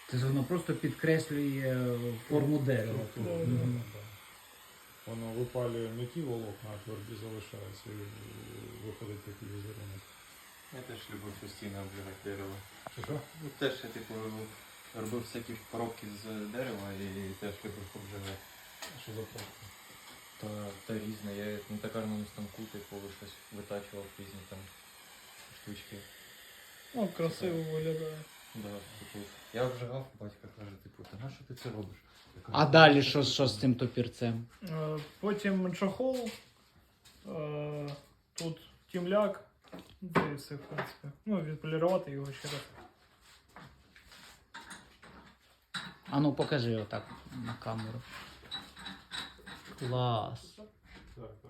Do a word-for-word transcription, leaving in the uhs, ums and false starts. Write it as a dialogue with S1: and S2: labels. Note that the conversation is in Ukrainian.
S1: Це воно просто підкреслює форму дерева.
S2: Структуру,
S1: Мгм.
S2: да, да. Воно випалює не ті волокна, а тверді залишаються і виходить такий візерунок.
S3: Я теж любив постійно обжигати дерево.
S2: Чи що?
S3: Ну, теж я типу робив всякі коробки з дерева і теж любив обжигати.
S2: Що за пробка?
S3: Та, та різне. Я на токарному станку типу щось витачував різні там штучки.
S4: Ну, красиво виглядає.
S3: Да, типу, я обжигав, батько каже, типу, та на що ти це робиш? Я кажу,
S1: А далі що, що з цим топірцем?
S4: Е, Потім чохол, е, тут тімляк, це і все, в принципі. Ну, відполірувати його ще раз.
S1: А ну покажи отак на камеру. Клас.
S2: Так,